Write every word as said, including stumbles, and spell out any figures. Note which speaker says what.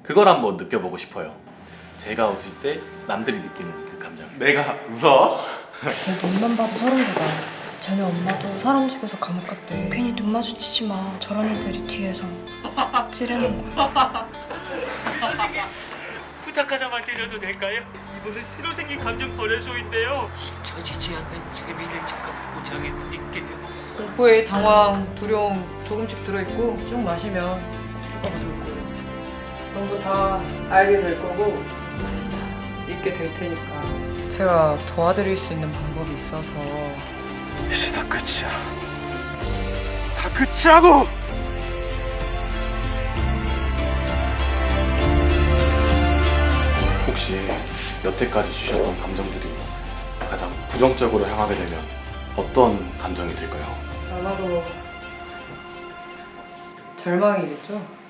Speaker 1: 그걸 한번 느껴보고 싶어요. 제가 웃을 때 남들이 느끼는 그 감정.
Speaker 2: 내가 웃어?
Speaker 3: 쟤 눈만 봐도 소름 돋아. 쟤네 엄마도 사람 죽여서 감옥 갔대. 괜히 눈 마주치지 마. 저런 애들이 뒤에서 찌르는 거야.
Speaker 4: 부탁 하나만 드려도 될까요? 이번엔 새로 생긴 감정 거래소인데요. 잊혀지지 않는 재미를 제가 보장해 드릴게요.
Speaker 5: 공포에 당황, 두려움 조금씩 들어있고 쭉 마시면 효과가 돌 거예요. 전부 다 알게 될 거고 다시 다 잊게 될 테니까 제가 도와드릴 수 있는 방법이 있어서.
Speaker 2: 이제 다 끝이야. 다 끝이라고!
Speaker 1: 혹시 여태까지 주셨던 감정들이 가장 부정적으로 향하게 되면 어떤 감정이 들까요?
Speaker 5: 아마도 절망이겠죠?